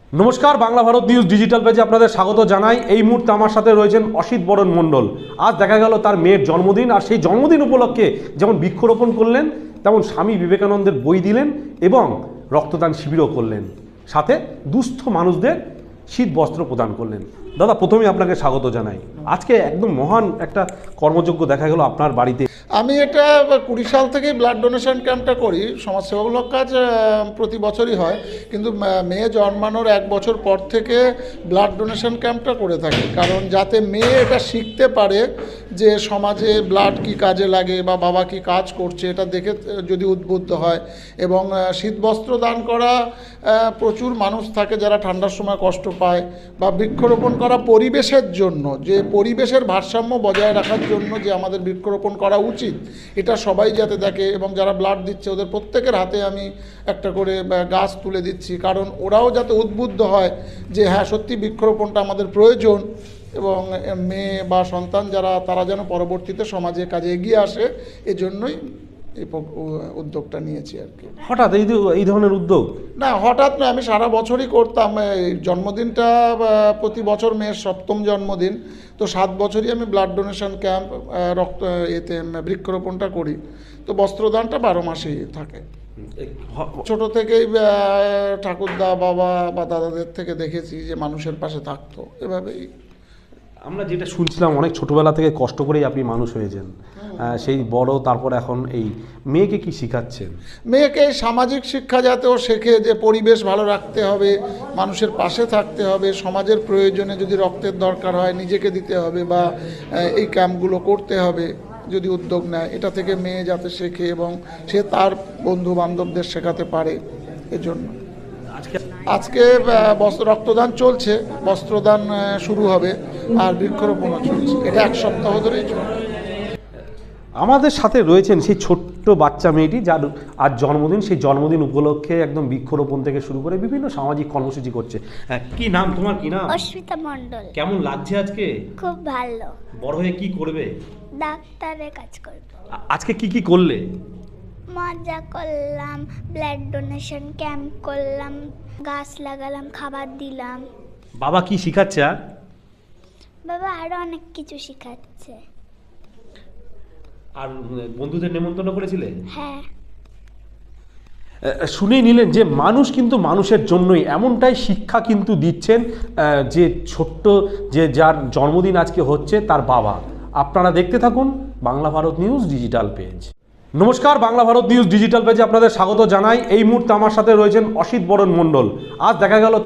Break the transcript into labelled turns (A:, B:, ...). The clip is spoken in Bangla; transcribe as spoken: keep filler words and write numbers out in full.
A: নমস্কার, বাংলা ভারত নিউজ ডিজিটাল পেজে আপনাদের স্বাগত জানাই। এই মুহূর্তে আমার সাথে রয়েছেন অসিত বরণ মণ্ডল। আজ দেখা গেল তার মেয়ের জন্মদিন, আর সেই জন্মদিন উপলক্ষে যেমন বৃক্ষরোপণ করলেন, তেমন স্বামী বিবেকানন্দের বই দিলেন এবং রক্তদান শিবিরও করলেন, সাথে দুস্থ মানুষদের শীত বস্ত্র প্রদান করলেন। দাদা, প্রথমেই আপনাকে স্বাগত জানাই। আজকে একদম মহান একটা কর্মযজ্ঞ দেখা গেল আপনার বাড়িতে।
B: আমি এটা কুড়ি সাল থেকেই ব্লাড ডোনেশন ক্যাম্পটা করি। সমাজসেবামূলক কাজ প্রতি বছরই হয়, কিন্তু মেয়ে জন্মানোর এক বছর পর থেকে ব্লাড ডোনেশন ক্যাম্পটা করে থাকি, কারণ যাতে মেয়ে এটা শিখতে পারে যে সমাজে ব্লাড কি কাজে লাগে বা বাবা কি কাজ করছে, এটা দেখে যদি উদ্বুদ্ধ হয়। এবং শীতবস্ত্র দান করা, প্রচুর মানুষ থাকে যারা ঠান্ডার সময় কষ্ট পায়, বা বৃক্ষরোপণ করা পরিবেশের জন্য, যে পরিবেশের ভারসাম্য বজায় রাখার জন্য যে আমাদের বৃক্ষরোপণ করা উচিত, এটা সবাই যাতে দেখে। এবং যারা ব্লাড দিচ্ছে ওদের প্রত্যেকের হাতে আমি একটা করে গাছ তুলে দিচ্ছি, কারণ ওরাও যাতে উদ্বুদ্ধ হয় যে হ্যাঁ, সত্যি বৃক্ষরোপণটা আমাদের প্রয়োজন, এবং মেয়ে বা সন্তান যারা, তারা যেন পরবর্তীতে সমাজে কাজে এগিয়ে আসে। এজন্যই এই উদ্যোগটা নিয়েছি আর কি।
A: হঠাৎ এই এই ধরনের উদ্যোগ?
B: না, হঠাৎ নয়, আমি সারা বছরই করতাম। জন্মদিনটা প্রতি বছর মেয়ের সপ্তম জন্মদিন, তো সাত বছরই আমি ব্লাড ডোনেশন ক্যাম্প, রক্ত এতে বৃক্ষরোপণটা করি। তো বস্ত্রদানটা বারো মাসেই থাকে। ছোট থেকেই ঠাকুরদা, বাবা বা দাদাদের থেকে দেখেছি যে মানুষের পাশে থাকতো, এভাবেই।
A: আমরা যেটা শুনছিলাম, অনেক ছোটবেলা থেকে কষ্ট করেই আপনি মানুষ হয়েছেন, সেই বড়, তারপর এখন এই মেয়েকে কি শিখাচ্ছেন?
B: মেয়েকে সামাজিক শিক্ষা যাতে ও শেখে, যে পরিবেশ ভালো রাখতে হবে, মানুষের পাশে থাকতে হবে, সমাজের প্রয়োজনে যদি রক্তের দরকার হয় নিজেকে দিতে হবে, বা এই ক্যাম্পগুলো করতে হবে যদি উদ্যোগ নেয়, এটা থেকে মেয়ে যাতে শেখে এবং সে তার বন্ধু বান্ধবদের শেখাতে পারে। এজন্য
A: আজকে
B: আজকে বস্ত্র রক্তদান চলছে, বস্ত্রদান শুরু হবে, আর বৃক্ষরোপণও চলছে। এটা এক সপ্তাহ ধরেই চলছে।
A: আমাদের সাথে রয়েছেন সেই ছোট্ট বাচ্চা মেয়েটি, যার আজ জন্মদিন। সেই জন্মদিন উপলক্ষে একদম বৃক্ষরোপণ থেকে শুরু করে বিভিন্ন সামাজিক কর্মসূচি করছে। হ্যাঁ, কি নাম তোমার? কি নাম?
C: অস্মিতা মণ্ডল।
A: কেমন লাগছে আজকে?
C: খুব ভালো।
A: বড় হয়ে কি করবে?
C: ডাক্তারে কাজ করব।
A: আজকে কি কি করলে?
C: মজা করলাম, ব্লাড ডোনেশন ক্যাম্প করলাম, গাছ লাগালাম, খাবার দিলাম।
A: বাবা কি শিখাচ্ছে? আর
C: বাবা আরো অনেক কিছু শেখাচ্ছে।
A: আর বন্ধুদের নেমন্তন্ন করেছিলে?
C: হ্যাঁ।
A: শুনেই নিলেন যে মানুষ কিন্তু মানুষের জন্যই, এমনটাই শিক্ষা কিন্তু দিচ্ছেন যে ছোট্ট, যে যার জন্মদিন আজকে হচ্ছে, তার বাবা। আপনারা দেখতে থাকুন Bangla Bharat news digital page. নমস্কার, বাংলা ভারত নিউজ ডিজিটাল পেজে আপনাদের স্বাগত জানাই। এই মুহূর্তে আমার সাথে রয়েছেন অসিত বরণ মণ্ডল। আজ দেখা গেল